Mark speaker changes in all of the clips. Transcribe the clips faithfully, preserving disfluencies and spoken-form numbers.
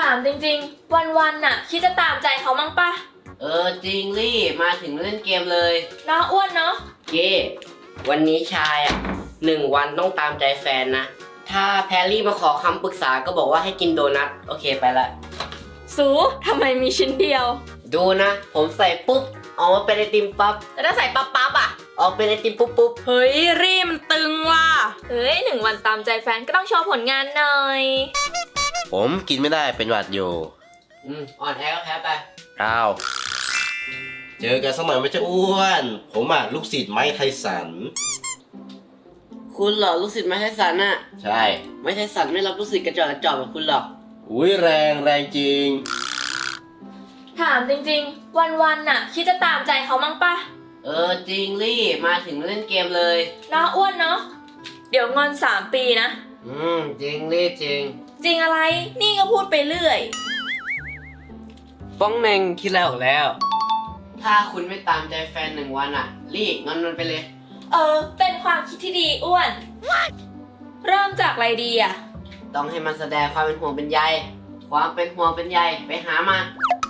Speaker 1: ามจริงๆวันๆน่ะคิดจะตามใจเขามั้งปะ
Speaker 2: เออจริงลี่มาถึงเล่นเกมเลย
Speaker 1: น้าอ้วนเนาะ
Speaker 2: เก้วันนี้ชายอ่ะหนึ่งวันต้องตามใจแฟนนะถ้าแพรรี่มาขอคำปรึกษาก็บอกว่าให้กินโดนัทโอเคไปละ
Speaker 1: สูทำไมมีชิ้นเดียว
Speaker 2: ดูนะผมใส่ปุ๊บออกมาเป็นไอติมปั๊บ
Speaker 1: แล้วถ้าใส่ปั๊บปั๊บอ่ะ
Speaker 2: ออกเป็นไอติมปุ๊บปุ๊บ
Speaker 1: เฮ้ยรีมันตึงว่ะเฮ้ยหนึ่งวันตามใจแฟนก็ต้องโชว์ผลงานหน่อย
Speaker 3: ผมกินไม่ได้เป็นหวัดอยู่
Speaker 2: อืมอ่อนแอก็แพ้ไป
Speaker 3: อ้าวเจอกันสักหน่อยไม่ใช่อ้วนผมอ่ะลูกศิษย์ไม้ไทสัน
Speaker 2: คุณเหรอลูกศิษย์ไม้ไทสันน่ะ
Speaker 3: ใช่
Speaker 2: ไม้ไทสันไม่รับลูกศิษย์กระจอกกระจอกแบบคุณหรอก
Speaker 3: อุ้ยแรงแรงจริง
Speaker 1: ถามจริงๆวันๆน่ะคิดจะตามใจเขามั้งปะ
Speaker 2: เออจริงลี่มาถึงเล่นเกมเลย
Speaker 1: น้าอ้วนเนาะเดี๋ยวงอนสามปีนะ
Speaker 2: อืมจริงลี่จริง
Speaker 1: จริงอะไรนี่ก็พูดไปเรื่อย
Speaker 2: ป้องเน่งคิดแล้วออกแล้วถ้าคุณไม่ตามใจแฟนหนึ่งวันอ่ะลี่งอนมันไปเลย
Speaker 1: เออเป็นความคิดที่ดีอ้วนเริ่มจากอะไรดีอ่ะ
Speaker 2: ต้องให้มันแสดงความเป็นห่วงเป็นใยความเป็นห่วงเป็นใยไปหามา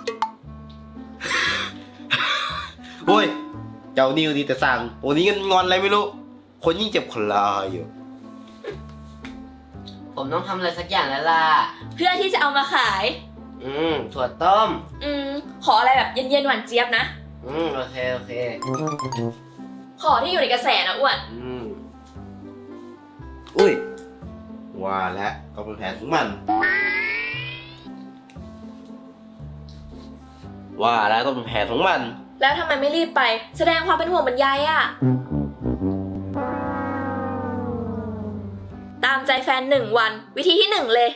Speaker 3: โอ้ยเจ้านิวดีแต่สั่งวันนี้กันงอนอะไรไม่รู้คนยิ่งเจ็บคนลาอยู่
Speaker 2: ผมต้องทำอะไรสักอย่างแล้วล่ะ
Speaker 1: เพื่อที่จะเอามาขาย
Speaker 2: อืมถั่วต้ม
Speaker 1: อืมขออะไรแบบเย็นๆหวานเจี๊ยบนะ
Speaker 2: อืมโอเคโอเค
Speaker 1: ขอที่อยู่ในกระแสนะอ้วน
Speaker 2: อืม
Speaker 3: อุ้ยว่าแล้วก็เป็นแผนของมันว่าแล้วต้องเป็นแผนของมัน
Speaker 1: แล้วทำไมไม่รีบไปแสดงความเป็นห่วงบรรยายอะตามใจแฟนหนึ่งวันวิธีที่หนึ่งเลย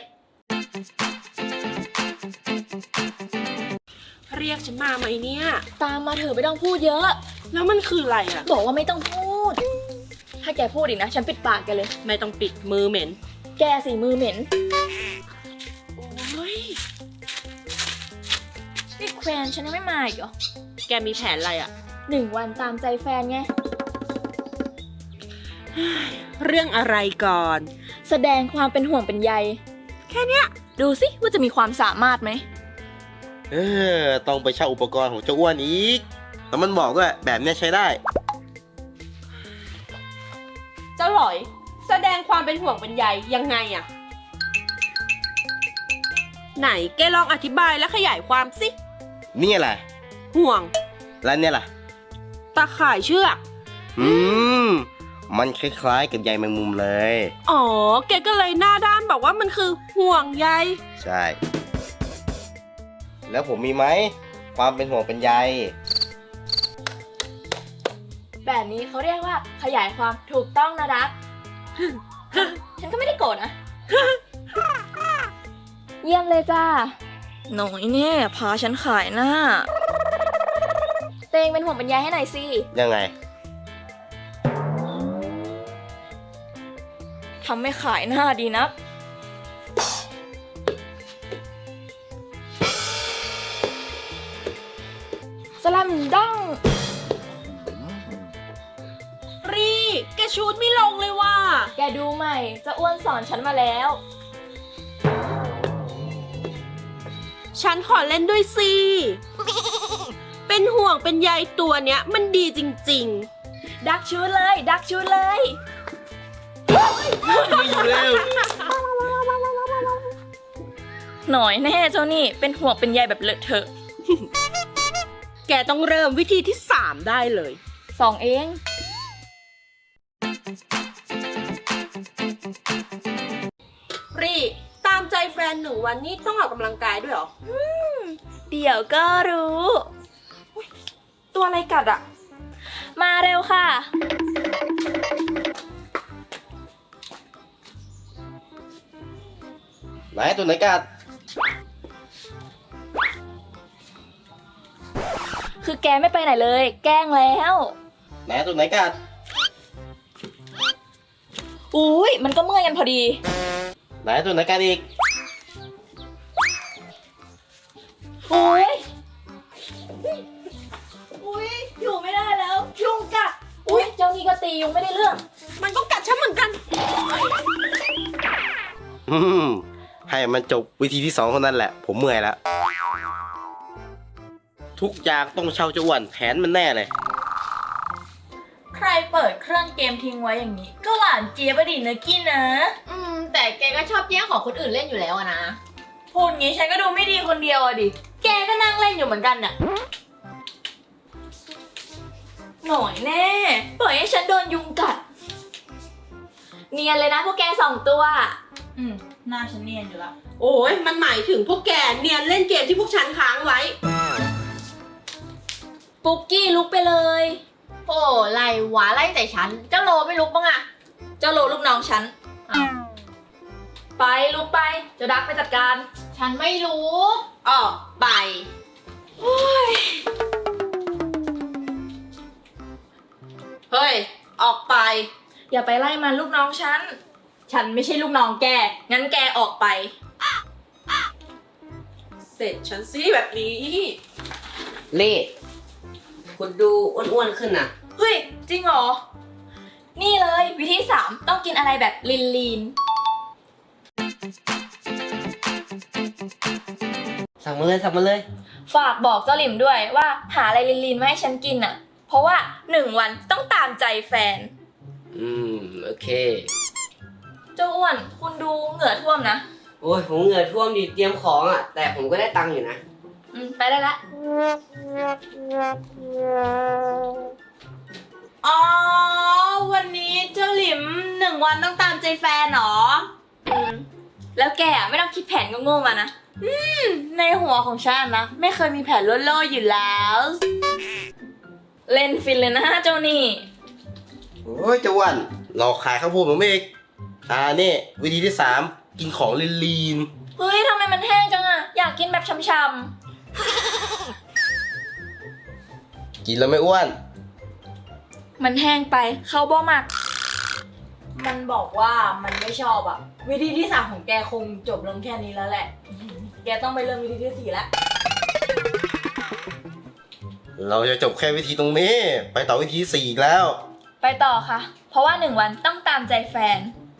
Speaker 4: เรียกฉันมาไหมเนี่ย
Speaker 1: ตามมาเถอะไม่ต้องพูดเยอะ
Speaker 4: แล้วมันคืออะไรอ่ะ
Speaker 1: บอกว่าไม่ต้องพูดถ้าแกพูดอีกนะฉันปิดปากแกเลย
Speaker 4: ไม่ต้องปิดมือเหม็น
Speaker 1: แกสิมือเหม็น
Speaker 4: โอ้ย
Speaker 1: นี่แควนฉันยังไม่มาอีกเหรอ
Speaker 4: แกมีแผนอะไรอ่ะ
Speaker 1: หนึ่งวันตามใจแฟนไง
Speaker 4: เรื่องอะไรก่อน
Speaker 1: แสดงความเป็นห่วงเป็นใย
Speaker 4: แค่เนี้ย
Speaker 1: ดูสิว่าจะมีความสามารถไหม
Speaker 3: เออต้องไปเช่าอุปกรณ์ของเจ้าอ้วนอีกแล้วมันบอกด้วยแบบนี้ใช้ได้
Speaker 4: เจ้าหลอยแสดงความเป็นห่วงเป็นใยยังไงอ่ะไหนแกลองอธิบายและขยายความสิ
Speaker 3: นี่อะไร
Speaker 4: ห่วง
Speaker 3: แล้วเนี่ยล่ะ
Speaker 4: ตาข่ายเชือก
Speaker 3: อืมมันคล้ายๆกับใยแมงมุมเลย
Speaker 4: อ๋อแกก็เลยหน้าด้านบอกว่ามันคือห่วงใย
Speaker 3: ใช่แล้วผมมีไหมความเป็นห่วงเป็นใย
Speaker 1: แบบนี้เขาเรียกว่าขยายความถูกต้องนะรัก ฉันก็ไม่ได้โกรธนะ เยี่ยมเลยจ้าหน่อยเนี่ยพาฉันขายหน้าเตงเป็นห่วงเป็นใยให้หน่อยสิ
Speaker 3: ยังไง
Speaker 1: ทำไม่ขายหน้าดีนักสลัมดัง
Speaker 4: รีแกชูดไม่ลงเลยว่ะ
Speaker 1: แกดูใหม่จะอ้วนสอนฉันมาแล้ว
Speaker 4: ฉันขอเล่นด้วยสิเป็นห่วงเป็นใยตัวเนี้ยมันดีจริง
Speaker 1: ๆดักชูดเลยดักชูดเลย
Speaker 3: ไม่อยู่แล้ว
Speaker 1: หน่อยแน่เจ้านี่เป็นห่วงเป็นใยแบบเลอะเทอะ
Speaker 4: แกต้องเริ่มวิธีที่สามได้เลย
Speaker 1: สองเอง
Speaker 4: รีตามใจแฟนหนึ่งวันนี้ต้องออกกำลังกายด้วยเหรอ
Speaker 1: เดี๋ยวก็รู้
Speaker 4: ตัวอะไรกัดอ่ะ
Speaker 1: มาเร็วค่ะ
Speaker 3: ไหนตัวไหนกัด
Speaker 1: คือแกไม่ไปไหนเลยแกล้งแล้ว
Speaker 3: ไหนตัวไหนกัด
Speaker 1: อุ้ยมันก็เมื่อยกันพอดี
Speaker 3: ไหนตัวไหนกัดอีก
Speaker 1: อุ้ยอุ้ยอยู่ไม่ได้แล้วยุงกัดอุ้ยเจ้านี่ก็ตียุงไม่ได้เรื่อง
Speaker 4: มันก็กัดฉันเหมือนกัน
Speaker 3: อืมให้มันจบวิธีที่สองเท่านั้นแหละ ผมเมื่อยแล้ว ทุกอย่างต้องเช่าเจ้าอ้วนแผนมันแน่เลย
Speaker 1: ใครเปิดเครื่องเกมทิ้งไว้อย่างนี้ ก็หวานเจี๊ยบอะดินะกี้นะ
Speaker 5: อืม แต่แกก็ชอบแย่งของคนอื่นเล่นอยู่แล้วอะนะ
Speaker 1: พูดงี้ฉันก็ดูไม่ดีคนเดียวอะดิ แกก็นั่งเล่นอยู่เหมือนกันน่ะ หน่อยแน่ ปล่อยให้ฉันโดนยุงกัด เนียนเลยนะพวกแกสองตัว
Speaker 6: อืมหน้าฉันเนียนอยู่ละ
Speaker 4: โอ้ยมันหมายถึงพวกแกเนียนเล่นเกมที่พวกฉันค้างไว้
Speaker 1: ปุ๊กกี้ลุกไปเลย
Speaker 5: โอ้ไล่หวาไล่แต่ฉัน เจ้าโลไม่ลุกบ้างอะ
Speaker 1: เจ้าโลลูกน้องฉันอ้าวไปลุกไป เจะดักไปจัดการ
Speaker 5: ฉันไม่รู้
Speaker 4: ออกไป เฮ้ย ออกไป
Speaker 1: อย่าไปไล่มันลูกน้องฉัน
Speaker 6: ฉันไม่ใช่ลูกน้องแก
Speaker 1: งั้นแกออกไป
Speaker 4: เสร็จฉันสิแบบนี้
Speaker 2: เล่คุณดูอ้วนๆขึ้นนะ
Speaker 1: เฮ้ย จริงเหรอ นี่เลยวิธีสามต้องกินอะไรแบบลีนลีน
Speaker 2: สั่งมาเลยสั่งมาเลย
Speaker 1: ฝากบอกเจ้าหลิมด้วยว่าหาอะไรลีนลีนมาให้ฉันกินอ่ะ เพราะว่าหนึ่งวันต้องตามใจแฟน
Speaker 2: อืม โอเค
Speaker 1: เจ้าอ้วนคุณดูเหงื่อท่วมนะ
Speaker 2: โอ้ยผมเหงื่อท่วมดิเตรียมของอ่ะ แต่ผมก็ได้ตังค์อยู่นะ
Speaker 1: อืม ไปได้ละ
Speaker 6: อ๋อ วันนี้เจ้าหลิมหนึ่งวันต้องตามใจแฟนเหรอ
Speaker 1: อืม แล้วแกอ่ะไม่ต้องคิดแผนโง่ๆมานะ
Speaker 6: ในหัวของฉันนะ ไม่เคยมีแผนโล่ๆอยู่แล้ว
Speaker 1: เล่นฟินเลยนะเจ้านี่
Speaker 3: โอ้ยเจ้าอ้วนหลอกขายข้าวโพดผมเองอ่านี่วิธีที่สามกินของลีน
Speaker 1: เฮ้ยทำไมมันแห้งจังอ่ะ อยากกินแบบช่ำ
Speaker 3: ๆกินแล้วไม่อ้วน
Speaker 1: ๆมันแห้งไป เข้าบ่หมัก
Speaker 6: มันบอกว่ามันไม่ชอบอะวิธีที่สามของแกคงจบลงแค่นี้แล้วแหละ แกต้องไปเริ่มวิธีที่สี่แล้ว
Speaker 3: เราจะจบแค่วิธีตรงนี้ ไปต่อวิธีที่สี่อีกแล้ว
Speaker 1: ไปต่อค่ะ เพราะว่าหนึ่งวันต้องตามใจแฟน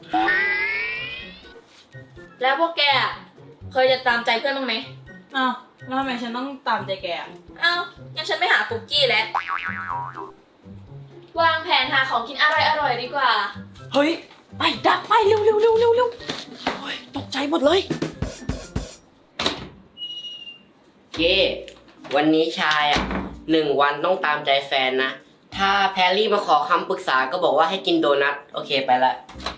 Speaker 1: แล้วพวกแกอ่ะเคยจะตามใจเพื่อนบ้างไหม
Speaker 6: อ้าวแล้วทำไมฉันต้องตามใจแกอะ
Speaker 1: เอ้างั้นฉันไม่หาปุกกี้แล้ว วางแผนหาของกินอร่อยๆดีกว่า
Speaker 6: เฮ้ย ไปดักไปเร็วเร็วเร็วเร็วเร็วโอ้ยตกใจหมดเลย
Speaker 2: เก้วันนี้ชายอ่ะหนึ่งวันต้องตามใจแฟนนะ ถ้าแพรรี่มาขอคำปรึกษาก็บอกว่าให้กินโดนัท โอเคไปละ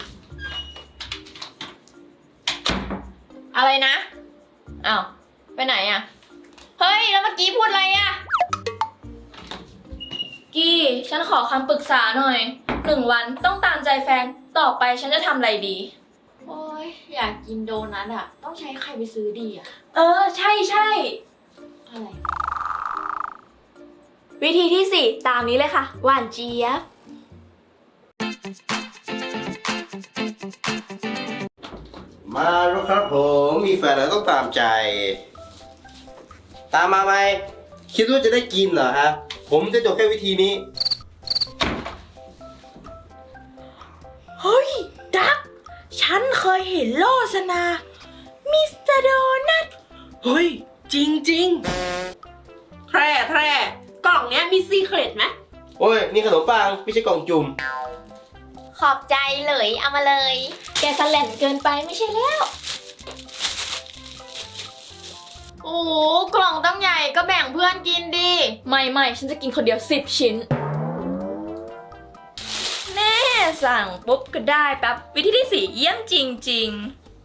Speaker 1: อะไรนะ อ้าว ไปไหนอ่ะ เฮ้ย แล้วเมื่อกี้พูดอะไรอ่ะ กี้ ฉันขอคำปรึกษาหน่อย หนึ่งวันต้องตามใจแฟน ต่อไปฉันจะทำอะไรดี
Speaker 5: โอ้ยอยากกินโดนัทอะต้องใช้ใครไปซื้อดีอะ
Speaker 1: เออ ใช่ใช่
Speaker 5: อะไร
Speaker 1: วิธีที่สี่ตามนี้เลยค่ะ หวานเจี๊ยบ
Speaker 3: มาแล้วครับผมมีแฟนแล้วต้องตามใจ ตามมาไหมคิดว่าจะได้กินเหรอฮะผมจะจบแค่วิธีนี้
Speaker 6: เฮ้ย ดัก ฉันเคยเห็นโลสนา มิสเตอร์โดนัท
Speaker 4: เฮ้ย จริงจริงแพร่แพร่กล่องเนี้ยมีซีเครตไหม
Speaker 3: โอ้ยนี่ขนมปังไม่ใช่กล่องจุ่ม
Speaker 5: ขอบใจเลยเอามาเลย
Speaker 1: แกสแลนเกินไปไม่ใช่แล้ว
Speaker 5: โอ้กล่องตั้งใหญ่ก็แบ่งเพื่อนกินดิ
Speaker 1: ไม่ไม่ฉันจะกินคนเดียวสิบชิ้น แน่สั่งปุ๊บก็ได้แป๊บ วิธีที่สี่เยี่ยมจริง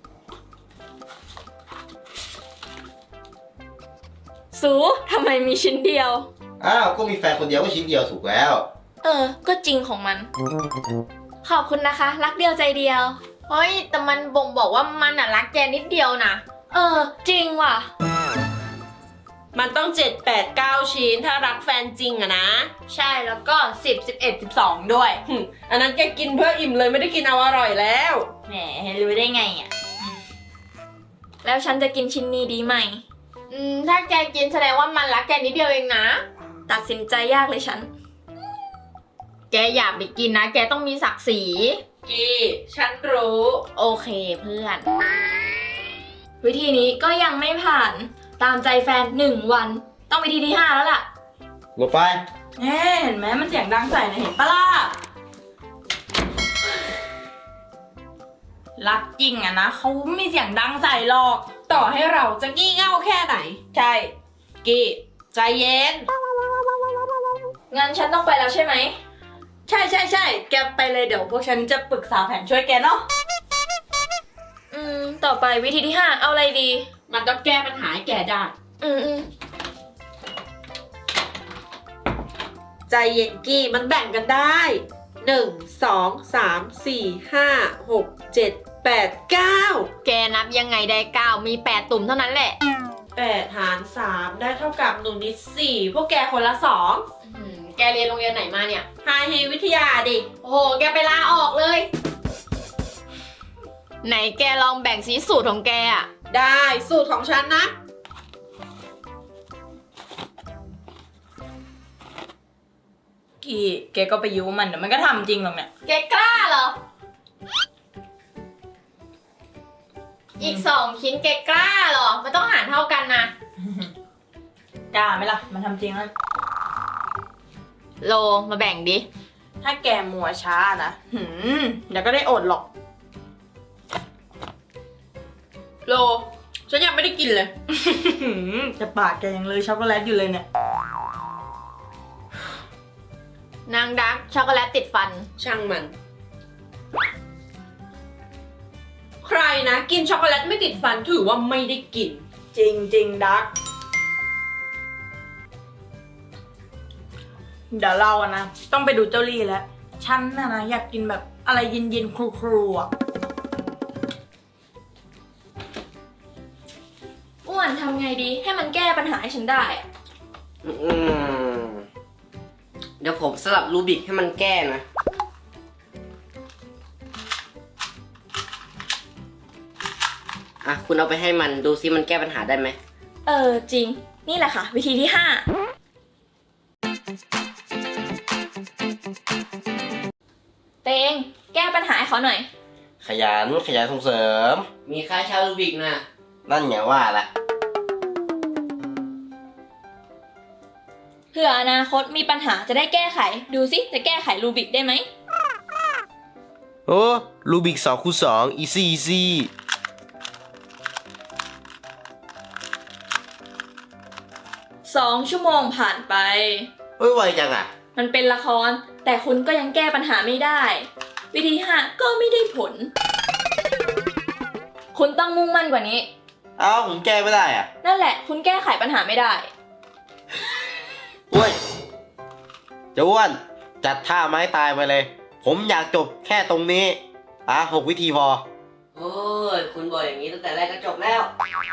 Speaker 1: ๆ สูทำไมมีชิ้นเดียว
Speaker 3: อ้าวก็มีแฟนคนเดียวก็ชิ้นเดียวถูกแล้ว
Speaker 1: เออ ก็จริงของมัน ขอบคุณนะคะ รักเดียวใจเดียว
Speaker 5: เฮ้ย แต่มันบ่งบอกว่ามันอะรักแกนิดเดียวนะ
Speaker 1: เออ จริงว่ะ
Speaker 4: มันต้องเจ็ดแปดเก้าชิ้นถ้ารักแฟนจริงอะนะ
Speaker 1: ใช่แล้วก็สิบ สิบเอ็ด สิบสองด้วย
Speaker 4: หึอันนั้นแกกินเพื่ออิ่มเลยไม่ได้กินเอาอร่อยแล้ว
Speaker 1: แหมรู้ได้ไงอ่ะ แล้วฉันจะกินชิ้นนี้ดีไหม
Speaker 5: อืม ถ้าแกกินแสดงว่ามันรักแกนิดเดียวเองนะ
Speaker 1: ตัดสินใจยากเลยฉัน
Speaker 5: แกอย่าไปกินนะ แกต้องมีศักดิ์ศรี
Speaker 4: กี้ ฉันรู้
Speaker 5: โอเคเพื่อน
Speaker 1: วิธีนี้ก็ยังไม่ผ่าน ตามใจแฟนหนึ่งวัน ต้องวิธีที่ห้าแล้วล่ะ
Speaker 3: ลงไป
Speaker 6: แน่เห็นไหมมันเสียงดังใส่นะเห็นปะล่ะ รักจริงอะนะเขาไม่มีเสียงดังใส่หรอก
Speaker 4: ต่อให้เราจะงี่เง่าแค่ไหน
Speaker 6: ใช่
Speaker 4: กี้ใจเย็น
Speaker 1: งั้นฉันต้องไปแล้วใช่ไหม
Speaker 6: ใช่ใช่ใช่แกไปเลยเดี๋ยวพวกฉันจะปรึกษาแผนช่วยแกเนาะ
Speaker 1: อืม ต่อไปวิธีที่ห้าเอาอะไรดี
Speaker 4: มันต้องแก้ปัญหาให้แกได้
Speaker 1: อืมอืม
Speaker 4: ใจเย็นกี้มันแบ่งกันได้หนึ่งสองสามสี่ห้าหกเจ็ดแปดเก้า
Speaker 5: แกนับยังไงได้เก้ามีแปดตุ่มเท่านั้นแหละ
Speaker 4: แปดหารสามได้เท่ากับหนูนิดสี่พวกแกคนละสอง
Speaker 5: อืมแกเรียนโรงเรียนไหนมาเนี่ย
Speaker 4: ไฮเฮวิทยาดิ
Speaker 5: โอ้โห แกไปลาออกเลย ไหนแกลองแบ่งสีสูตรของแกอะ
Speaker 4: ได้สูตรของฉันนะ
Speaker 6: กี่แกก็ไปยุมันเดี๋ยวมันก็ทำจริงหรอกเนี่ย
Speaker 5: แกกล้าเหรอ อีกสองชิ้นแกกล้าเหรอ มันต้องหารเท่ากันนะ
Speaker 6: กล้าไหมล่ะ มันทำจริงแล้ว
Speaker 5: โลมาแบ่งดิ
Speaker 6: ถ้าแกมัวช้านะหืมเดี๋ยวก็ได้อดหรอก โล ฉันยังไม่ได้กินเลย แต่ปากแกยังเลยช็อกโกแลตอยู่เลยเนี่ย
Speaker 5: นางดักช็อกโกแลตติดฟัน
Speaker 4: ช่างมัน ใครนะ กินช็อกโกแลตไม่ติดฟันถือว่าไม่ได้กิน
Speaker 6: จริงจริงดัก เดี๋ยวเราอะนะ ต้องไปดูเจ้าลี่แล้ว ฉันน่ะนะอยากกินแบบอะไรเย็นๆครูๆอะ
Speaker 1: อ้วนทำไงดี ให้มันแก้ปัญหาให้ฉันได้อะ
Speaker 2: อืมเดี๋ยวผมสลับรูบิกให้มันแก้นะ อ่ะ คุณเอาไปให้มันดูซิมันแก้ปัญหาได้ไหม
Speaker 1: เออจริง นี่แหละค่ะ วิธีที่ห้าเตงแก้ปัญหาให้เขาหน่อย
Speaker 3: ขยันขยันส่งเสริม
Speaker 2: มีค่าเช่ารูบิกนะ
Speaker 3: นั่นไงว่าละ
Speaker 1: เผื่ออนาคตมีปัญหาจะได้แก้ไข ดูสิจะแก้ไขรูบิกได้ไหม
Speaker 3: โอ้รูบิกสองคูณสองอีซี่อีซี่
Speaker 1: สองชั่วโมงผ่านไป
Speaker 3: เฮ้ยไวจังอ่ะ
Speaker 1: มันเป็นละคร แต่คุณก็ยังแก้ปัญหาไม่ได้ วิธีห้าก็ไม่ได้ผล คุณต้องมุ่งมั่นกว่านี้
Speaker 3: เอ้าผมแก้ไม่ได้อ่ะ
Speaker 1: นั่นแหละ คุณแก้ไขปัญหาไม่ได้
Speaker 3: อ้วนเจะอ้วน จัดท่าไม้ตายไปเลย ผมอยากจบแค่ตรงนี้ อ่ะหกวิธีพอ
Speaker 2: โอ้ย คุณบอกอย่างนี้ตั้งแต่แรกก็จบแล้ว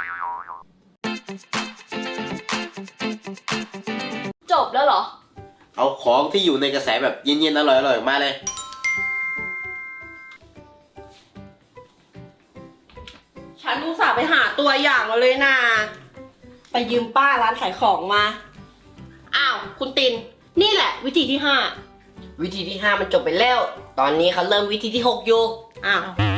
Speaker 1: จบแล้วเหรอ
Speaker 3: เอาของที่อยู่ในกระแสแบบเย็นๆอร่อยๆมาเลย
Speaker 4: ฉันอุตส่าห์ไปหาตัวอย่างมาเลยนะไปยืมป้าร้านขายของมา อ้าว คุณติน นี่แหละ วิธีที่ห้า
Speaker 2: วิธีที่ห้ามันจบไปแล้ว ตอนนี้เขาเริ่มวิธีที่หกอยู่
Speaker 4: อ้าว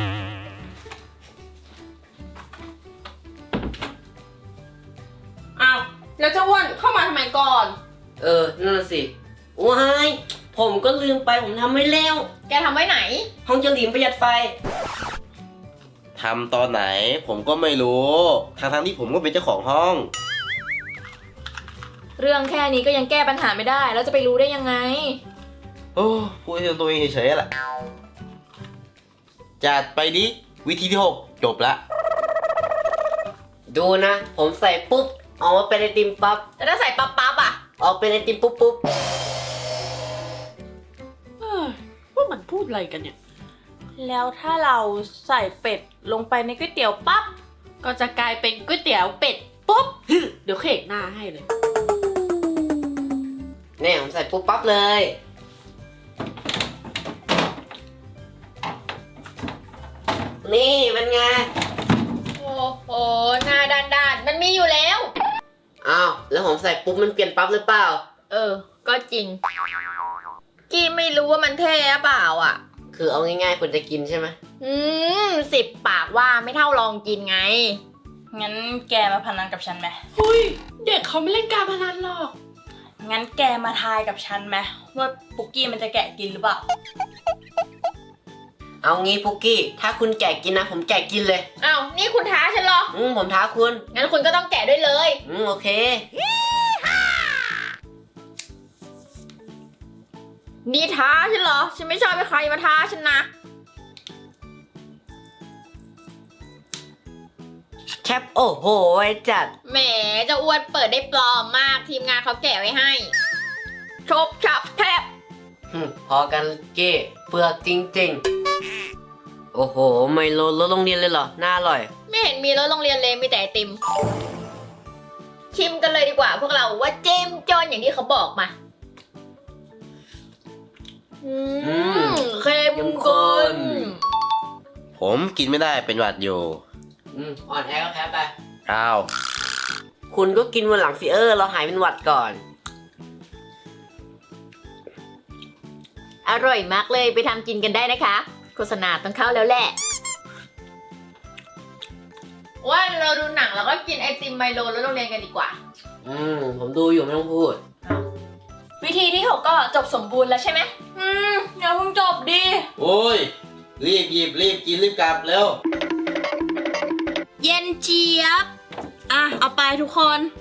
Speaker 4: อ้าว แล้วเจ้าอ้วนเข้ามาทำไมก่อน
Speaker 2: เออ นั่นนะสิว้ายผมก็ลืมไปผมทำไม่แล้ว
Speaker 5: แกทำไว้ไหน
Speaker 2: ห้องเจาหลิมประหยัดไฟ
Speaker 3: ทำตอนไหนผมก็ไม่รู้ ทางทางๆที่ผมก็เป็นเจ้าของห้อง
Speaker 1: เรื่องแค่นี้ก็ยังแก้ปัญหาไม่ได้ แล้วจะไปรู้ได้ยังไง
Speaker 3: โอ้พูดให้ตัวเองเฉยๆแหละ จัดไปดิ วิธีที่หกจบละ
Speaker 2: ดูนะ ผมใส่ปุ๊บออกมาเป็นไอติมปั๊บ
Speaker 5: แล้วถ้าใส่ปั๊บปั๊บๆอะ
Speaker 2: ออกเป็นไอติมปุ๊บปุ๊บ
Speaker 4: เอ้ยพวกมันพูดอะไรกันเนี่ย
Speaker 6: แล้วถ้าเราใส่เป็ดลงไปในก๋วยเตี๋ยวปั๊บ
Speaker 4: ก็จะกลายเป็นก๋วยเตี๋ยวเป็ดปุ๊บ เดี๋ยวเขกหน้าให้เลย
Speaker 2: เนี่ยผมใส่ปุ๊บปั๊บเลย นี่เป็นไง
Speaker 5: โอ้โหหน้าด้านด้านๆมันมีอยู่แล้ว
Speaker 2: อ้าว แล้วผมใส่ปุ๊บมันเปลี่ยนปั๊บหรือเปล่า
Speaker 5: เออ ก็จริง กี้ไม่รู้ว่ามันเท่หรือเปล่าอ่ะ
Speaker 2: คือเอาง่ายๆคุณจะกินใช่ไหม
Speaker 5: อืมสิบปากว่าไม่เท่าลองกินไง
Speaker 1: งั้นแกมาพนันกับฉันไหม
Speaker 4: เฮ้ย เด็กเขาไม่เล่นการพนันหรอก
Speaker 1: งั้นแกมาทายกับฉันไหมว่าปุกกี้มันจะแกะกินหรือเปล่า
Speaker 2: เอางี้ปุกกี้ ถ้าคุณแกะกินนะ ผมแกะกินเลย
Speaker 5: อ้าว นี่คุณท้าฉันเหรอ
Speaker 2: อืมผมท้าคุณ
Speaker 5: งั้นคุณก็ต้องแกะด้วยเลย
Speaker 2: อืมโอเค
Speaker 5: นี่ท้าฉันเหรอ ฉันไม่ชอบให้ใครมาท้าฉันนะ
Speaker 2: แคปโอ้โหไว้จัด
Speaker 5: แหมเจ้าอ้วนเปิดได้ปลอมมาก ทีมงานเขาแกะไว้ให้ชบชับแทบ
Speaker 2: หึพอกันเก้เปลือกจริงๆ โอ้โห ไมโลรถโรงเรียนเลยเหรอ น่าอร่อย
Speaker 5: ไม่เห็นมีรถโรงเรียนเลยมีแต่ไอติม ชิมกันเลยดีกว่าพวกเราว่าเจมจนอย่างที่เขาบอกมา อืมเข้ม
Speaker 2: เข้มข้
Speaker 5: ข้น
Speaker 2: น
Speaker 3: ผมกินไม่ได้เป็นหวัดอยู่
Speaker 2: อืมอ่อนแอก็แพ้ไป
Speaker 3: อ้าว
Speaker 2: คุณก็กินวันหลังสิเออ เราหายเป็นหวัดก่อน
Speaker 5: อร่อยมากเลยไปทำกินกันได้นะคะ โฆษณาต้องเข้าแล้วแหละ ว่าเราดูหนังแล้วก็กินไอติมไมโลแล้วโรงเรียนกันดีกว่า
Speaker 2: อืม ผมดูอยู่ไม่ต้องพูด
Speaker 1: วิธีที่หกก็จบสมบูรณ์แล้วใช่ไหม อืมอย่าเพิ่งจบดิ
Speaker 3: โอ้ย รีบหยิบรีบกินรีบกลับเร็ว
Speaker 1: เย็นเจี๊ยบ อ่ะ เอาไปทุกคน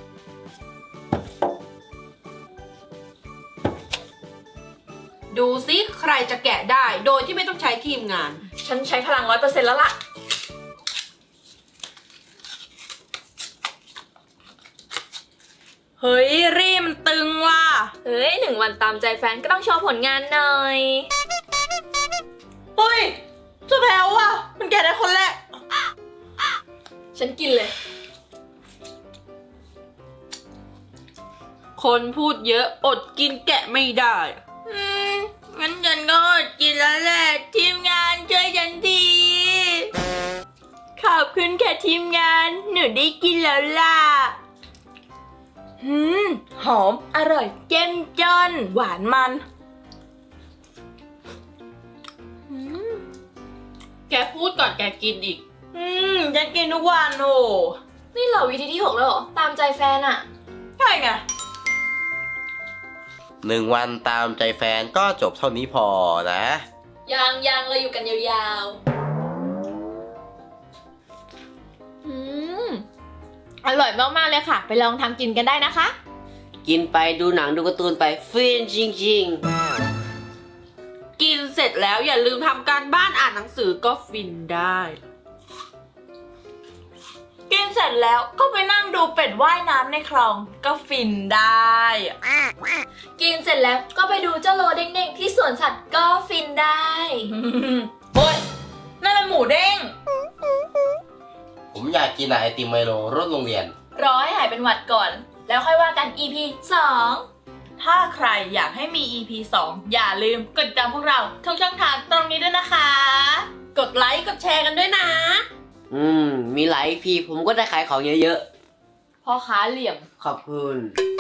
Speaker 4: ดูซิใครจะแกะได้ โดยที่ไม่ต้องใช้ทีมงาน
Speaker 1: ฉันใช้พลังร้อยเปอร์เซ็นต์แล้วล่ะ เฮ้ย รีมันตึงว่ะ เฮ้ยหนึ่งวันตามใจแฟนก็ต้องโชว์ผลงานหน่อย
Speaker 4: เฮ้ยจะแพ้ว่ะ มันแกะได้คนแรก
Speaker 1: ฉันกินเลย
Speaker 4: คนพูดเยอะอดกินแกะไม่ได้
Speaker 1: อืมงั้นฉันก็อดกินแล้วแหละ ทีมงานช่วยฉันทีขอบคุณค่ะทีมงาน หนูได้กินแล้วล่ะหืมหอม อร่อยเจ้มจนหวานมัน
Speaker 4: แกพูดก่อนแกกินอีก
Speaker 1: อืมฉันกินทุกวันโอ้นี่เหรอวิธีที่หกแล้วเหรอ ตามใจแฟนอะใช่ไง
Speaker 3: หนึ่งวันตามใจแฟนก็จบเท่านี้พอนะ
Speaker 1: ยังยังเราอยู่กันยาวๆ
Speaker 5: อืมอร่อยมากๆเลยค่ะ ไปลองทำกินกันได้นะคะ
Speaker 2: กินไปดูหนังดูการ์ตูนไปฟินจริง
Speaker 4: กินเสร็จแล้วอย่าลืมทำการบ้านอ่านหนังสือก็ฟินได้
Speaker 1: กินเสร็จแล้วก็ไปนั่งดูเป็ดว่ายน้ำในคลองก็ฟินได้ กินเสร็จแล้วก็ไปดูเจ้าโลเด้งๆที่สวนสัตว์ก็ฟินได้ โอ๊ยนั่นมันหมูเด้ง
Speaker 3: ผมอยากกินไอติมไมโลรถโรงเรียน
Speaker 1: รอให้หายเป็นหวัดก่อน แล้วค่อยว่ากัน อี พี สอง ถ้าใครอยากให้มี อี พี สอง อย่าลืมกดติดตามพวกเราทุกช่องทางตรงนี้ด้วยนะคะ
Speaker 4: กดไลค์กดแชร์กันด้วยนะ
Speaker 2: ๆ อืม มีหลายพีผมก็ได้ขายของเยอะ
Speaker 1: พ่อค้าเหลี่ยม
Speaker 2: ๆ ขอบคุณ
Speaker 1: อ